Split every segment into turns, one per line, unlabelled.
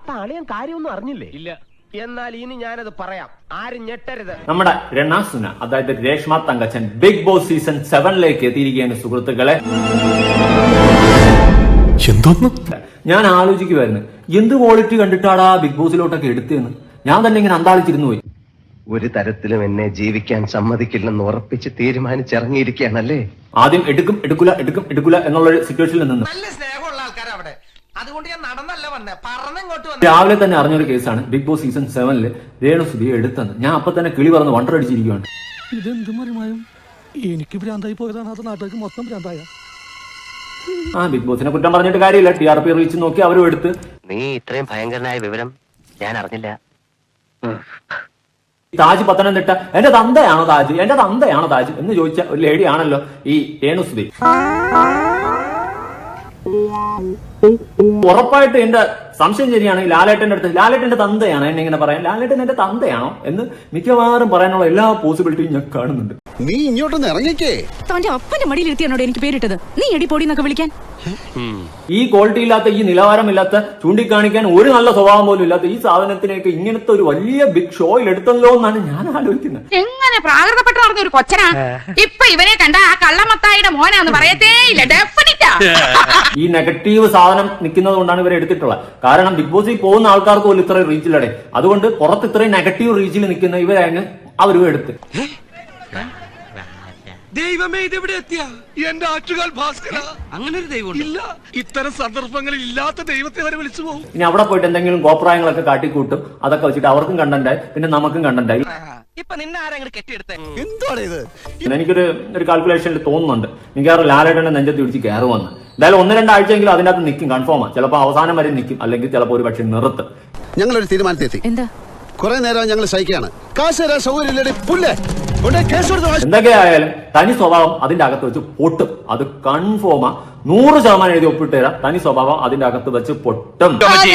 അപ്പൊ അളിയൻ കാര്യമൊന്നും അറിഞ്ഞില്ലേ? ഇല്ല. എന്നാൽ ഇനി ഞാനത് പറയാം, ആരും ഞെട്ടരുത്.
നമ്മുടെ രണാസുന, അതായത് Reshma Thankachan, Bigg Boss season 7ലേക്ക് എത്തിയിരിക്കുകയാണ് സുഹൃത്തുക്കളെ. ഞാൻ ആലോചിക്കുമായിരുന്നു, എന്ത് ക്വാളിറ്റി കണ്ടിട്ടാടാ ബിഗ് ബോസിലോട്ടൊക്കെ എടുത്തതെന്ന്. ഞാൻ തന്നെ ഇങ്ങനെ അന്താളിച്ചിരുന്നു പോയി.
ഒരു തരത്തിലും എന്നെ ജീവിക്കാൻ സമ്മതിക്കില്ലെന്ന് ഉറപ്പിച്ച് തീരുമാനിച്ചിറങ്ങിയിരിക്കുകയാണല്ലേ.
ആദ്യം എടുക്കില്ല എന്നുള്ളൊരു സിറ്റുവേഷനിൽ നിന്ന്
നല്ല സ്നേഹമുള്ള ആൾക്കാരാ അവിടെ. അതുകൊണ്ട് ഞാൻ നടന്നല്ല വന്നേ, പറഞ്ഞങ്ങോട്ട് വന്നു.
രാവിലെ തന്നെ അറിഞ്ഞൊരു കേസാണ് ബിഗ് ബോസ് സീസൺ 7 രേണുസുതിയെ എടുത്തെന്ന്. ഞാൻ അപ്പൊ തന്നെ കിളി പറഞ്ഞ് വണ്ടറടിച്ചിരിക്കുകയാണ്.
ഇതെന്ത് മറിമായും എനിക്ക് ഭ്രാന്തായി പോയതാണ്, അത് നാട്ടുകാർക്ക് മൊത്തം ഭ്രാന്തായ.
ബിഗ് ബോസിനെ കുറ്റം പറഞ്ഞിട്ട് കാര്യമില്ല. TRP റീച്ച് നോക്കി അവരും എടുത്ത്.
നീ ഇത്രയും ഭയങ്കരനായ വിവരം ഞാൻ അറിഞ്ഞില്ല.
താജ് പത്തനംതിട്ട, എന്റെ തന്തയാണോ താജ് എന്ന് ചോദിച്ച ഒരു ലേഡി ആണല്ലോ ഈ രേണുസുതി. ഉറപ്പായിട്ട് എന്റെ സംശയം ശരിയാണ്. ലാലേട്ടന്റെ അടുത്ത് ലാലേട്ടന്റെ തന്തയാണ് എന്നെ ഇങ്ങനെ പറയാൻ. ലാലേട്ടൻ എന്റെ തന്തയാണോ എന്ന് മിക്കവാറും പറയാനുള്ള എല്ലാ പോസിബിലിറ്റിയും ഞാൻ കാണുന്നുണ്ട്.
നീ ഇങ്ങോട്ടൊന്ന് ഇറങ്ങിക്കേ.
തന്റെ അപ്പന്റെ മടിയിലെത്തിയാണോ എനിക്ക് പേരിട്ടത്? നീ എടി പൊടി എന്നൊക്കെ വിളിക്കാൻ.
ഈ ക്വാളിറ്റി ഇല്ലാത്ത, ഈ നിലവാരമില്ലാത്ത, ചൂണ്ടിക്കാണിക്കാൻ ഒരു നല്ല സ്വഭാവം പോലും ഇല്ലാത്ത ഈ സാധനത്തിനേക്ക് ഇങ്ങനത്തെ ഒരു വലിയ ബിഗ് ഷോയിൽ എടുത്തല്ലോ എന്നാണ് ഞാൻ ആലോചിക്കുന്നത്.
എങ്ങനെ പ്രാകൃതപ്പെട്ട് നടന്ന ഒരു കൊച്ചനാ ഇപ്പൊ ഇവനെ കണ്ട ആ കള്ളമത്തായിയുടെ മോനാന്ന് പറയത്തേ ഇല്ല. ഡെഫിനിറ്റാ
ഈ നെഗറ്റീവ് സാധനം നിൽക്കുന്നത് കൊണ്ടാണ് ഇവരെ എടുത്തിട്ടുള്ളത്. കാരണം ബിഗ് ബോസിൽ പോകുന്ന ആൾക്കാർക്ക് പോലും ഇത്രയും റീച്ചിലടെ. അതുകൊണ്ട് പുറത്ത് ഇത്രയും നെഗറ്റീവ് റീച്ചിൽ നിൽക്കുന്ന ഇവരെ അങ്ങ് അവരും എടുത്ത്.
ദൈവമേ, ഇതെവിടെ എത്തിയ എന്റെ ആറ്റുകാൽ ഭാസ്കര. അങ്ങനെ ഒരു ദൈവം ഇല്ല. ഇത്തരം സന്ദർഭങ്ങളിൽ ഇല്ലാത്ത ദൈവത്തെ വരെ വിളിച്ചു പോകും.
ഇനി അവിടെ പോയിട്ട് എന്തെങ്കിലും കോപ്രായങ്ങളൊക്കെ കാട്ടിക്കൂട്ടും. അതൊക്കെ വെച്ചിട്ട് അവർക്കും കണ്ടന്റായി, പിന്നെ നമുക്കും കണ്ടന്റായി.
ഇപ്പൊ നിന്നെ ആരെങ്കിലും കെട്ടിയെടുത്തേ?
എന്താണ് ഇത്?
എനിക്കൊരു കാൽക്കുലേഷനിൽ തോന്നുന്നുണ്ട്, മിക്കവാറും ലാലേട്ടന്റെ നെഞ്ചത്ത് പിടിച്ച് കയറുമെന്ന്. എന്തായാലും 1-2 ആഴ്ചയെങ്കിലും അതിനകത്ത് നിൽക്കും, കൺഫേമാണ്. ചിലപ്പോൾ അവസാനം വരെ നിൽക്കും, അല്ലെങ്കിൽ ചിലപ്പോൾ ഒരു പക്ഷെ നിർത്തും.
ഞങ്ങളൊരു തീരുമാനത്തെത്തി.
എന്താ?
കുറെ നേരം ഞങ്ങൾ സഹിക്കുകയാണ്. കാശ് തരാൻ സൗകര്യമില്ലേ? പുല്ലേ
എന്തൊക്കെയായാലും തനി സ്വഭാവം അതിന്റെ അകത്ത് വെച്ച് പൊട്ടും. അത് കൺഫേമാ. 100% എഴുതി ഒപ്പിട്ട് തരാം. തനി സ്വഭാവം അതിന്റെ അകത്ത് വെച്ച് പൊട്ടും.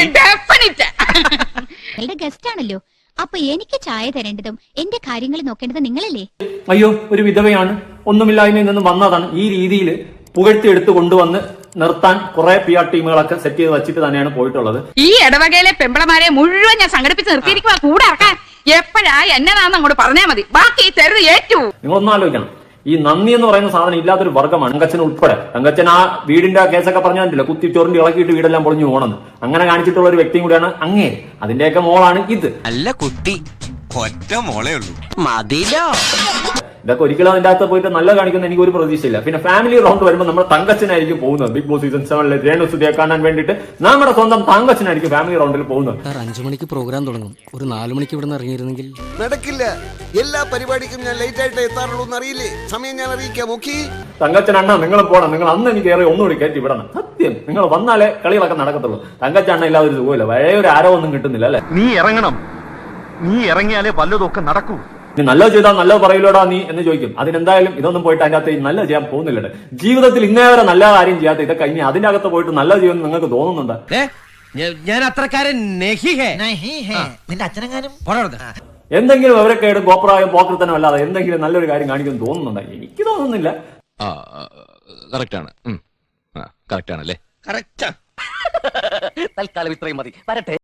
ഗസ്റ്റ് ആണല്ലോ, അപ്പൊ എനിക്ക് ചായ തരേണ്ടതും എന്റെ കാര്യങ്ങൾ നോക്കേണ്ടതും നിങ്ങളല്ലേ?
അയ്യോ, ഒരു വിധവയാണ്, ഒന്നുമില്ലായ്മയിൽ നിന്ന് വന്നതാണ്. ഈ രീതിയിൽ പുകഴ്ത്തി എടുത്ത് കൊണ്ടുവന്ന് നിർത്താൻ കുറെ PR ടീമുകളൊക്കെ സെറ്റ് ചെയ്ത് വെച്ചിട്ട് തന്നെയാണ് പോയിട്ടുള്ളത്.
ഈ ഇടവകയിലെ പെമ്പിളമാരെ മുഴുവൻ ഞാൻ സംഘടിപ്പിച്ച് നിർത്തിയിരിക്കുക. കൂടെ ഇറക്കാൻ എപ്പോഴാ എന്നതാന്ന് അങ്ങോട്ട് പറഞ്ഞാൽ മതി. ബാക്കി തരുത് ഏറ്റു.
നിങ്ങൾ ഒന്ന് ആലോചിക്കണം, ഈ നന്ദി എന്ന് പറയുന്ന സാധനം ഇല്ലാത്തൊരു വർഗ്ഗമാണ് തങ്കച്ചൻ ഉൾപ്പെടെ. തങ്കച്ചൻ ആ വീടിന്റെ കേസൊക്കെ പറഞ്ഞിട്ടില്ല, കുത്തി ചൊറിഞ്ഞ് ഇളക്കിയിട്ട് വീടെല്ലാം പൊളിഞ്ഞു പോകണമെന്ന്. അങ്ങനെ കാണിച്ചിട്ടുള്ള ഒരു വ്യക്തിയും കൂടിയാണ് അങ്ങേ. അതിന്റെയൊക്കെ മോളാണ് ഇത്.
അല്ല കുട്ടി, ഒറ്റ മോളേ ഉള്ളൂ, മതിലോ.
ഇതൊക്കെ ഒരിക്കലും അതിന്റെ അകത്ത് പോയിട്ട് നല്ല കാണിക്കുന്ന എനിക്ക് ഒരു പ്രതീക്ഷയില്ല. പിന്നെ ഫാമിലി റൗണ്ട് വരുമ്പോൾ നമ്മൾ തങ്കച്ചനായിരിക്കും പോകുന്നത്. ബിഗ് ബോസ് സീസൺ 7 രേണുസുതിയെ കാണാൻ വേണ്ടിയിട്ട് നമ്മുടെ സ്വന്തം തങ്കച്ചനായിരിക്കും ഫാമിലി റൗണ്ടിൽ പോകുന്നത്.
5 മണിക്ക് പ്രോഗ്രാം തുടങ്ങും, ഒരു 4 മണിക്ക് ഇവിടെ നിന്ന് ഇറങ്ങിയിരുന്നെങ്കിൽ.
നടക്കില്ല. എല്ലാ പരിപാടിക്കും ഞാൻ ലേറ്റ് ആയിട്ട് എത്താറുള്ളൂ എന്നറിയില്ലേ? സമയം ഞാൻ അറിയിക്കാം. നോക്കി
തങ്കച്ചൻ നിങ്ങൾ പോണം. നിങ്ങൾ അന്ന് എനിക്ക് ഏറെ ഒന്നുകൂടി കയറ്റി വിടണം. സത്യം, നിങ്ങൾ വന്നാലേ കളികളൊക്കെ നടക്കത്തുള്ളൂ. തങ്കച്ചണ്ണ ഇല്ലാതെ ഒരു സുഖമില്ല. പഴയ ഒരു ആരോ ഒന്നും കിട്ടുന്നില്ല അല്ലെ?
നീ ഇറങ്ങണം. നീ ഇറങ്ങിയാലേ വല്ലതൊക്കെ നടക്കൂ.
നീ നല്ലത് ചെയ്താൽ നല്ലത് പറയില്ലോടാ നീ എന്ന് ചോദിക്കും. അതിനെന്തായാലും ഇതൊന്നും പോയിട്ട് അതിന്റെ അകത്ത് നല്ലത് ചെയ്യാൻ പോകുന്നില്ല. ജീവിതത്തിൽ ഇന്നേ വരെ നല്ല കാര്യം ചെയ്യാത്ത ഇതൊക്കെ ഇനി അതിന്റെ അകത്ത് പോയിട്ട് നല്ലത് ചെയ്യുമെന്ന് നിങ്ങൾക്ക് തോന്നുന്നുണ്ട്?
ഞാൻ അത്രക്കാരൻ നിന്റെ അച്ഛനെങ്ങാനും
എന്തെങ്കിലും അവരൊക്കെ ഗോപ്രായം പോക്കൃത്തനം അല്ലാതെ എന്തെങ്കിലും നല്ലൊരു കാര്യം കാണിക്കുമെന്ന് തോന്നുന്നുണ്ടോ? എനിക്ക് തോന്നുന്നില്ല.
കറക്റ്റ് ആണല്ലേ?
തൽക്കാലം ഇത്രയും മതി. വരട്ടെ.